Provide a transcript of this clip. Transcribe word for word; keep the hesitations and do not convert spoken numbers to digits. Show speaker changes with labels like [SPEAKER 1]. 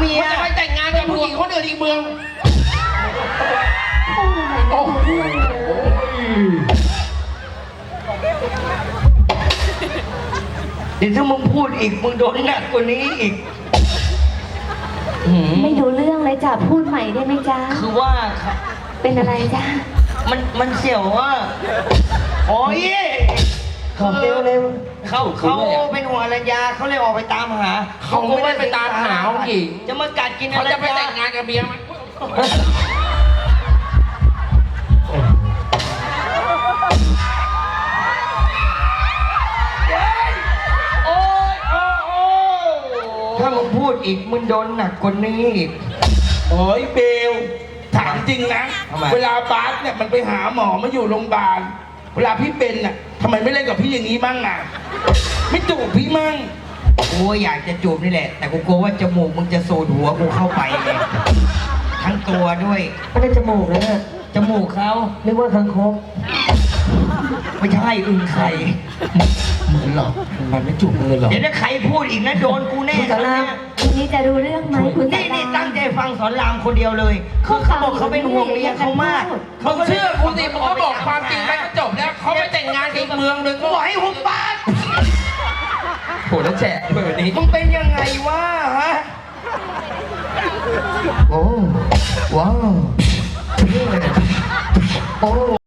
[SPEAKER 1] เมีย
[SPEAKER 2] จะไปแต่งงานกับผู้หญิงคนอื่นอีกเมืองโอ้โห
[SPEAKER 1] เดี๋ยวถ้ามึงพูดอีกมึงโดนหนักกว่านี้อีก
[SPEAKER 3] ไม่รู้เรื่องเลยจ้ะพูดใหม่ได้ไหมจ๊ะ
[SPEAKER 1] คือว่า
[SPEAKER 3] เป็นอะไรจ๊ะ
[SPEAKER 1] มันมันเสี่ยวว่าโอ้ยเขาเร็วเร็วเขาเขาเป็นหัวรัญญาเขาเลยออกไปตามหา
[SPEAKER 2] เขาไม่ได้ไปตามหาผู้หญิง
[SPEAKER 1] จะมากัดกิน
[SPEAKER 2] เขาจะไปแต่งงานกับเมียมัน
[SPEAKER 1] ถ้ามึงพูดอีกมึงโดนหนักกว่านี้อีก
[SPEAKER 4] โอ้ยเบลถามจริงนะเวลาบาสเนี่ยมันไปหาหมอมาอยู่โรงพยาบาลเวลาพี่เป็นน่ะทำไมไม่เล่นกับพี่อย่างนี้มั่งอ่ะไม่จูบพี่มั่ง
[SPEAKER 1] โอ้อยากจะจูบนี่แหละแต่กูกลัวว่าจมูกมึงจะสูดหัวกูเข้าไปเลยทั้งตัวด้วยไม่ได้จมูกเลยจมูกเขาเรียกว่าคังคกไม่ใช่อึ่งไข่
[SPEAKER 4] เหมือนหรอมันไม่จูบเลยหรอ
[SPEAKER 1] เดี๋ยวถ้าใครพูดอีกนะโดนกูแน่
[SPEAKER 3] คุณสอนรามทีนี้จะรู้เรื่องไหมคุณสอนราม
[SPEAKER 1] นี่นี่ตั้งใจฟังสอนรามคนเดียวเลยคือเขาบอกเขาเป็นห่วงเมียเขามาก
[SPEAKER 2] เขาเชื่อกูสิมึงก็บอกความจริงไปก็จบแล้วเขาไปแต่งงานอีกเมืองหนึ่งก็
[SPEAKER 1] บอกให้หุบปาก
[SPEAKER 2] โหแล้วแฉะแบบนี้
[SPEAKER 1] มึงเป็นยังไงวะฮะโอ้ว้าวโอ้